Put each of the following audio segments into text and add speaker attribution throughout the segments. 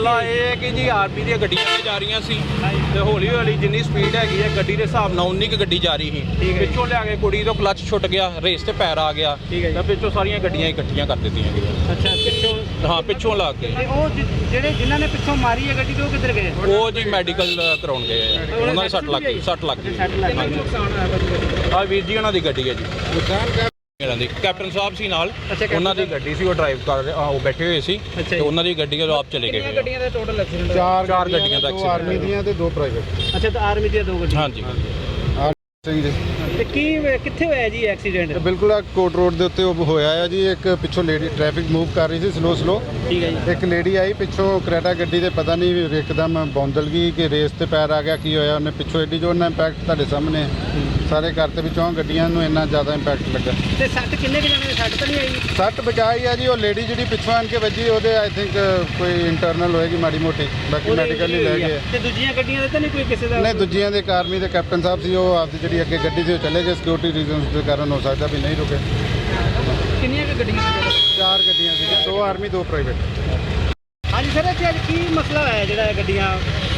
Speaker 1: ਮਸਲਾ ਇਹ ਹੈ ਕਿ ਜੀ ਆਰਮੀ ਦੀਆਂ ਗੱਡੀਆਂ ਤੇ ਜਾ ਰਹੀਆਂ ਸੀ ਤੇ ਹੌਲੀ ਹੌਲੀ ਜਿੰਨੀ ਸਪੀਡ ਹੈਗੀ ਹੈ ਗੱਡੀ ਦੇ ਹਿਸਾਬ ਨਾਲ ਉਨੀ ਕੁ ਗੱਡੀ ਜਾ ਰਹੀ ਸੀ। ਪਿੱਛੋਂ ਲਿਆ ਕੇ ਕੁੜੀ ਤੋਂ ਕਲੱਚ ਛੁੱਟ ਗਿਆ, ਰੇਸ ਤੇ ਪੈਰ ਆ ਗਿਆ ਤਾਂ ਪਿੱਛੋਂ ਸਾਰੀਆਂ ਗੱਡੀਆਂ ਇਕੱਠੀਆਂ ਕਰ ਦਿੱਤੀਆਂ ਗਈਆਂ।
Speaker 2: ਅੱਛਾ, ਪਿੱਛੋਂ
Speaker 1: ਹਾਂ, ਪਿੱਛੋਂ ਲਾ ਕੇ
Speaker 2: ਤੇ ਉਹ ਜਿਹੜੇ ਜਿਨ੍ਹਾਂ ਨੇ ਪਿੱਛੋਂ ਮਾਰੀ ਹੈ ਗੱਡੀ, ਤੇ ਉਹ ਕਿੱਧਰ ਗਏ?
Speaker 1: ਉਹ ਜੀ ਮੈਡੀਕਲ ਕਰਾਉਣ ਗਏ ਆ। ਉਹਨਾਂ ਦੇ ਸੱਟ ਲੱਗ ਗਈ। ਆ ਵੀਰ ਜੀ ਉਹਨਾਂ ਦੀ ਗੱਡੀ ਹੈ ਜੀ, ਇਹਨਾਂ ਦੀ ਕੈਪਟਨ ਸਾਹਿਬ ਸੀ ਨਾਲ, ਉਹਨਾਂ ਦੀ ਗੱਡੀ ਸੀ, ਉਹ ਡਰਾਈਵ ਕਰ ਉਹ ਬੈਠੇ ਹੋਏ ਸੀ ਤੇ ਉਹਨਾਂ ਦੀ ਗੱਡੀ ਜਦੋਂ ਆਪ ਚਲੇ ਗਏ।
Speaker 2: ਕਿੰਨੀਆਂ ਗੱਡੀਆਂ ਦਾ ਟੋਟਲ ਐਕਸੀਡੈਂਟ?
Speaker 1: ਚਾਰ ਗੱਡੀਆਂ ਦਾ
Speaker 3: ਦੋ ਆਰਮੀ ਦੀਆਂ ਤੇ ਦੋ ਪ੍ਰਾਈਵੇਟ।
Speaker 2: ਅੱਛਾ, ਤਾਂ ਆਰਮੀ ਦੀਆਂ ਦੋ ਗੱਡੀਆਂ।
Speaker 1: ਹਾਂਜੀ
Speaker 3: ਸਹੀ ਜੀ।
Speaker 2: ਤੇ ਕਿੱਥੇ ਹੋਇਆ ਜੀ ਐਕਸੀਡੈਂਟ?
Speaker 3: ਬਿਲਕੁਲ ਆ ਕੋਟ ਰੋਡ ਦੇ ਉੱਤੇ ਉਹ ਹੋਇਆ ਆ ਜੀ। ਇੱਕ ਪਿੱਛੋਂ ਲੇਡੀ ਟ੍ਰੈਫਿਕ ਮੂਵ ਕਰ ਰਹੀ ਸੀ ਸਲੋ।
Speaker 2: ਠੀਕ ਹੈ ਜੀ।
Speaker 3: ਇੱਕ ਲੇਡੀ ਆਈ ਪਿੱਛੋਂ ਕਰੇਟਾ ਗੱਡੀ ਦੇ, ਪਤਾ ਨਹੀਂ ਇੱਕਦਮ ਬੌਂਦਲ ਗਈ ਕਿ ਰੇਸ ਤੇ ਪੈਰ ਆ ਗਿਆ, ਕੀ ਹੋਇਆ। ਉਹਨੇ ਪਿੱਛੋਂ ਐਡੀ ਜੋਰ ਨਾਲ ਇੰਪੈਕਟ ਤੁਹਾਡੇ ਸਾਹਮਣੇ ਸਾਰੇ ਕਰਤੇ, ਵਿੱਚੋਂ ਗੱਡੀਆਂ ਨੂੰ ਇੰਨਾ ਜ਼ਿਆਦਾ ਇੰਪੈਕਟ ਲੱਗਾ।
Speaker 2: ਤੇ ਸੱਟ ਕਿੰਨੇ ਕੁ ਜਾਣੇ ਦੀ ਸੱਟ ਤਾਂ ਨਹੀਂ ਆਈ?
Speaker 3: ਸੱਟ ਬਚਾਈ ਆ ਜੀ। ਉਹ ਲੇਡੀ ਜਿਹੜੀ ਪਿੱਛੋਂ ਆਣ ਕੇ ਵੱਜੀ, ਉਹਦੇ ਆਈ ਥਿੰਕ ਕੋਈ ਇੰਟਰਨਲ ਹੋਏਗੀ ਮਾੜੀ ਮੋਟੀ, ਬਾਕੀ ਮੈਡੀਕਲ ਹੀ ਲੈ ਗਏ।
Speaker 2: ਤੇ ਦੂਜੀਆਂ ਗੱਡੀਆਂ ਦੇ ਤਾਂ ਨਹੀਂ ਕੋਈ ਕਿਸੇ ਦਾ?
Speaker 3: ਨਹੀਂ, ਦੂਜੀਆਂ ਦੇ ਆਰਮੀ ਦੇ ਕੈਪਟਨ ਸਾਹਿਬ ਸੀ, ਉਹ ਆਪਦੀ ਜਿਹੜੀ ਅੱਗੇ ਗੱਡੀ ਸੀ ਉਹ ਚਲੇ ਗਏ। ਸਿਕਿਉਰਿਟੀ ਰੀਜ਼ਨਸ ਦੇ ਕਾਰਨ ਹੋ ਸਕਦਾ ਵੀ ਨਹੀਂ ਰੁਕੇ।
Speaker 2: ਕਿੰਨੀਆਂ ਕੁ ਗੱਡੀਆਂ ਸੀ?
Speaker 3: ਚਾਰ ਗੱਡੀਆਂ ਸੀਗੀਆਂ, ਦੋ ਆਰਮੀ ਦੋ ਪ੍ਰਾਈਵੇਟ।
Speaker 2: ਹਾਂਜੀ ਸਰ, ਇੱਥੇ ਅੱਜ ਕੀ ਮਸਲਾ ਹੋਇਆ ਜਿਹੜਾ ਇਹ ਗੱਡੀਆਂ?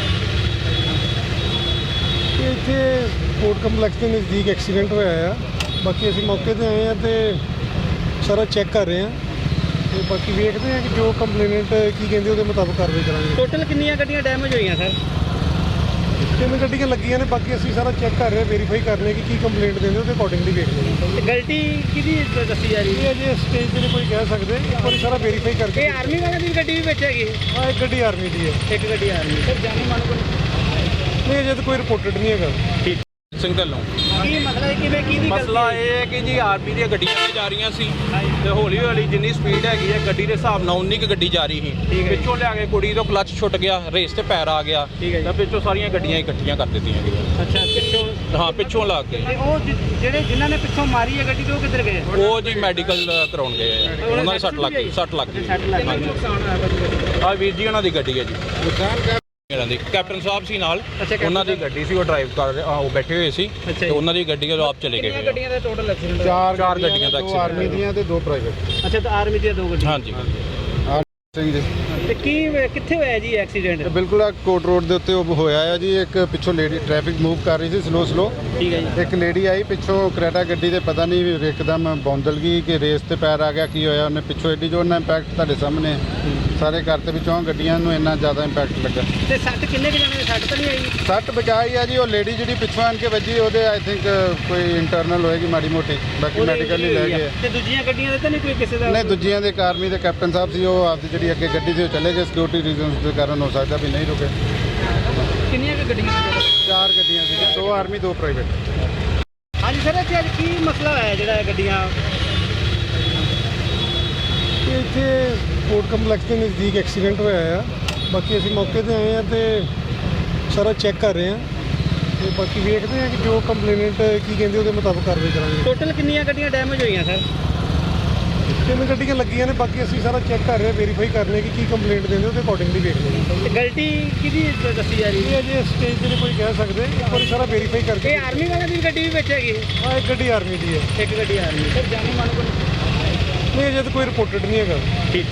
Speaker 4: ਇੱਥੇ ਕੋਰਟ ਕੰਪਲੈਕਸ ਦੇ ਨਜ਼ਦੀਕ ਐਕਸੀਡੈਂਟ ਹੋਇਆ ਆ। ਬਾਕੀ ਅਸੀਂ ਮੌਕੇ ਤੇ ਆਏ ਆ ਤੇ ਸਾਰਾ ਚੈੱਕ ਕਰ ਰਹੇ ਆ ਤੇ ਬਾਕੀ ਵੇਖਦੇ ਆ ਕਿ ਜੋ ਕੰਪਲੇਨੈਂਟ ਕੀ ਕਹਿੰਦੇ ਉਹਦੇ ਮੁਤਾਬਕ ਕਾਰਵਾਈ ਕਰਾਂਗੇ।
Speaker 2: ਟੋਟਲ ਕਿੰਨੀਆਂ ਗੱਡੀਆਂ ਡੈਮੇਜ ਹੋਈਆਂ ਸਰ?
Speaker 4: 3 ਗੱਡੀਆਂ ਲੱਗੀਆਂ ਨੇ, ਬਾਕੀ ਅਸੀਂ ਸਾਰਾ ਚੈੱਕ ਕਰ ਰਹੇ ਆ, ਵੈਰੀਫਾਈ ਕਰ ਰਹੇ ਕਿ ਕੀ ਕੰਪਲੇਂਟ ਦਿੰਦੇ ਉਹਦੇ ਅਕੋਰਡਿੰਗਲੀ ਵੇਖਦੇ ਆ।
Speaker 2: ਤੇ ਗਲਤੀ ਕਿਹਦੀ ਦੱਸੀ ਜਾ ਰਹੀ
Speaker 4: ਇਹ
Speaker 2: ਹੈ?
Speaker 4: ਅਜੇ ਸਟੇਜ ਤੇ ਨਹੀਂ ਕੋਈ ਕਹਿ ਸਕਦੇ, ਇੱਕ ਵਾਰੀ ਸਾਰਾ ਵੈਰੀਫਾਈ ਕਰਕੇ।
Speaker 2: ਇਹ ਆਰਮੀ ਵਾਲਿਆਂ ਦੀ ਗੱਡੀ ਵੀ ਵਿੱਚ ਹੈਗੀ?
Speaker 4: ਹਾਂ, ਇੱਕ ਗੱਡੀ ਆਰਮੀ ਦੀ ਹੈ।
Speaker 2: ਇੱਕ ਗੱਡੀ ਆਰਮੀ। ਸਰ ਜਾਨੀ ਮਾਨੋ
Speaker 4: ਨਹੀਂ, ਅਜੇ ਤਾਂ ਕੋਈ ਰਿਪੋਰਟਡ ਨਹੀਂ ਹੈਗਾ।
Speaker 1: ਸਿੰਘ ਢੱਲੋਂ।
Speaker 2: ਕੀ ਮਸਲਾ ਹੈ? ਕਿਵੇਂ ਕੀ ਦੀ
Speaker 1: ਮਸਲਾ ਇਹ ਹੈ ਕਿ ਜੀ ਆਰਮੀ ਦੀਆਂ ਗੱਡੀਆਂ ਤੇ ਜਾ ਰਹੀਆਂ ਸੀ ਤੇ ਹੌਲੀ ਹੌਲੀ ਜਿੰਨੀ ਸਪੀਡ ਹੈਗੀ ਹੈ ਗੱਡੀ ਦੇ ਹਿਸਾਬ ਨਾਲ ਉਨੀ ਕੁ ਗੱਡੀ ਜਾ ਰਹੀ ਸੀ। ਪਿੱਛੋਂ ਲਿਆ ਕੇ ਕੁੜੀ ਤੋਂ ਕਲੱਚ ਛੁੱਟ ਗਿਆ, ਰੇਸ ਤੇ ਪੈਰ ਆ ਗਿਆ ਤਾਂ ਪਿੱਛੋਂ ਸਾਰੀਆਂ ਗੱਡੀਆਂ ਇਕੱਠੀਆਂ ਕਰ ਦਿੱਤੀਆਂ ਗਈਆਂ।
Speaker 2: ਅੱਛਾ, ਪਿੱਛੋਂ
Speaker 1: ਹਾਂ, ਪਿੱਛੋਂ ਲਾ ਕੇ
Speaker 2: ਤੇ ਉਹ ਜਿਹੜੇ ਜਿਨ੍ਹਾਂ ਨੇ ਪਿੱਛੋਂ ਮਾਰੀ ਹੈ ਗੱਡੀ, ਤੇ ਉਹ ਕਿੱਧਰ ਗਏ?
Speaker 1: ਉਹ ਜੀ ਮੈਡੀਕਲ ਕਰਾਉਣ ਗਏ ਆ। ਉਹਨਾਂ ਦੇ ਸੱਟ ਲੱਗ ਗਈ।
Speaker 2: ਸੱਟ ਲੱਗ ਗਈ।
Speaker 1: ਆ ਵੀਰ ਜੀ ਉਹਨਾਂ ਦੀ ਗੱਡੀ ਹੈ ਜੀ, ਇਹਨਾਂ ਦੀ ਕੈਪਟਨ ਸਾਹਿਬ ਸੀ ਨਾਲ, ਉਹਨਾਂ ਦੀ ਗੱਡੀ ਸੀ, ਉਹ ਡਰਾਈਵ ਕਰ ਉਹ ਬੈਠੇ ਹੋਏ ਸੀ ਤੇ ਉਹਨਾਂ ਦੀ ਗੱਡੀ ਜਦੋਂ ਆਪ ਚਲੇ ਗਏ।
Speaker 2: ਕਿੰਨੀਆਂ ਗੱਡੀਆਂ ਦਾ ਟੋਟਲ ਐਕਸੀਡੈਂਟ?
Speaker 3: ਚਾਰ
Speaker 1: ਗੱਡੀਆਂ ਦਾ
Speaker 3: ਦੋ ਆਰਮੀ ਦੀਆਂ ਤੇ ਦੋ ਪ੍ਰਾਈਵੇਟ।
Speaker 2: ਅੱਛਾ, ਤਾਂ ਆਰਮੀ ਦੀਆਂ ਦੋ ਗੱਡੀਆਂ।
Speaker 1: ਹਾਂਜੀ
Speaker 3: ਸਹੀ ਜੀ।
Speaker 2: ਤੇ ਕਿੱਥੇ ਹੋਇਆ ਜੀ ਐਕਸੀਡੈਂਟ?
Speaker 3: ਬਿਲਕੁਲ ਆ ਕੋਟ ਰੋਡ ਦੇ ਉੱਤੇ ਉਹ ਹੋਇਆ ਆ ਜੀ। ਇੱਕ ਪਿੱਛੋਂ ਲੇਡੀ ਟ੍ਰੈਫਿਕ ਮੂਵ ਕਰ ਰਹੀ ਸੀ ਸਲੋ।
Speaker 2: ਠੀਕ ਹੈ ਜੀ।
Speaker 3: ਇੱਕ ਲੇਡੀ ਆਈ ਪਿੱਛੋਂ ਕਰੇਟਾ ਗੱਡੀ ਦੇ, ਪਤਾ ਨਹੀਂ ਇੱਕਦਮ ਬੌਂਦਲ ਗਈ ਕਿ ਰੇਸ ਤੇ ਪੈਰ ਆ ਗਿਆ, ਕੀ ਹੋਇਆ। ਉਹਨੇ ਪਿੱਛੋਂ ਐਡੀ ਜੋਰ ਨਾਲ ਇੰਪੈਕਟ ਤੁਹਾਡੇ ਸਾਹਮਣੇ ਸਾਰੇ ਕਰਤੇ, ਵਿੱਚੋਂ ਗੱਡੀਆਂ ਨੂੰ ਇੰਨਾ ਜ਼ਿਆਦਾ ਇੰਪੈਕਟ ਲੱਗਾ।
Speaker 2: ਤੇ ਸੱਟ ਕਿੰਨੇ ਕੁ ਜਾਣੇ ਦੀ ਸੱਟ ਤਾਂ ਨਹੀਂ ਆਈ?
Speaker 3: ਸੱਟ ਬਚਾਈ ਆ ਜੀ। ਉਹ ਲੇਡੀ ਜਿਹੜੀ ਪਿੱਛੋਂ ਆਣ ਕੇ ਵੱਜੀ, ਉਹਦੇ ਆਈ ਥਿੰਕ ਕੋਈ ਇੰਟਰਨਲ ਹੋਏਗੀ ਮਾੜੀ ਮੋਟੀ, ਬਾਕੀ ਮੈਡੀਕਲ ਹੀ ਲੈ ਗਏ।
Speaker 2: ਤੇ ਦੂਜੀਆਂ ਗੱਡੀਆਂ ਦੇ ਤਾਂ ਨਹੀਂ ਕੋਈ ਕਿਸੇ ਦਾ?
Speaker 3: ਨਹੀਂ, ਦੂਜੀਆਂ ਦੇ ਆਰਮੀ ਦੇ ਕੈਪਟਨ ਸਾਹਿਬ ਸੀ, ਉਹ ਆਪਦੀ ਜਿਹੜੀ ਅੱਗੇ ਗੱਡੀ ਸੀ ਉਹ ਚਲੇ ਗਏ। ਸਿਕਿਉਰਿਟੀ ਰੀਜ਼ਨਸ ਦੇ ਕਾਰਨ ਹੋ ਸਕਦਾ ਵੀ ਨਹੀਂ ਰੁਕੇ।
Speaker 2: ਕਿੰਨੀਆਂ ਕੁ ਗੱਡੀਆਂ ਸੀ?
Speaker 3: ਚਾਰ ਗੱਡੀਆਂ ਸੀਗੀਆਂ, ਦੋ ਆਰਮੀ ਦੋ ਪ੍ਰਾਈਵੇਟ।
Speaker 2: ਹਾਂਜੀ ਸਰ, ਇੱਥੇ ਅੱਜ ਕੀ ਮਸਲਾ ਹੋਇਆ ਜਿਹੜਾ ਇਹ ਗੱਡੀਆਂ?
Speaker 4: ਇੱਥੇ ਕੋਰਟ ਕੰਪਲੈਕਸ ਦੇ ਨਜ਼ਦੀਕ ਐਕਸੀਡੈਂਟ ਹੋਇਆ ਆ। ਬਾਕੀ ਅਸੀਂ ਮੌਕੇ ਤੇ ਆਏ ਆ ਤੇ ਸਾਰਾ ਚੈੱਕ ਕਰ ਰਹੇ ਆ ਤੇ ਬਾਕੀ ਵੇਖਦੇ ਆ ਕਿ ਜੋ ਕੰਪਲੇਨੈਂਟ ਕੀ ਕਹਿੰਦੇ ਉਹਦੇ ਮੁਤਾਬਕ ਕਾਰਵਾਈ ਕਰਾਂਗੇ।
Speaker 2: ਟੋਟਲ ਕਿੰਨੀਆਂ ਗੱਡੀਆਂ ਡੈਮੇਜ ਹੋਈਆਂ ਸਰ?
Speaker 4: 3 ਗੱਡੀਆਂ ਲੱਗੀਆਂ ਨੇ, ਬਾਕੀ ਅਸੀਂ ਸਾਰਾ ਚੈੱਕ ਕਰ ਰਹੇ ਆ, ਵੈਰੀਫਾਈ ਕਰ ਰਹੇ ਕਿ ਕੀ ਕੰਪਲੇਂਟ ਦਿੰਦੇ ਉਹਦੇ ਅਕੋਰਡਿੰਗਲੀ ਵੇਖਦੇ ਆ।
Speaker 2: ਤੇ ਗਲਤੀ ਕਿਹਦੀ ਦੱਸੀ ਜਾ ਰਹੀ
Speaker 4: ਇਹ
Speaker 2: ਹੈ?
Speaker 4: ਅਜੇ ਸਟੇਜ ਤੇ ਨਹੀਂ ਕੋਈ ਕਹਿ ਸਕਦੇ, ਇੱਕ ਵਾਰੀ ਸਾਰਾ ਵੈਰੀਫਾਈ ਕਰਕੇ।
Speaker 2: ਇਹ ਆਰਮੀ ਵਾਲਿਆਂ ਦੀ ਗੱਡੀ ਵੀ ਵਿੱਚ ਹੈਗੀ?
Speaker 4: ਹਾਂ, ਇੱਕ ਗੱਡੀ ਆਰਮੀ ਦੀ ਹੈ।
Speaker 2: ਇੱਕ ਗੱਡੀ ਆਰਮੀ। ਸਰ ਜਾਨੀ ਮਾਨੋ
Speaker 4: ਨਹੀਂ, ਅਜੇ ਤਾਂ ਕੋਈ ਰਿਪੋਰਟਡ ਨਹੀਂ ਹੈਗਾ।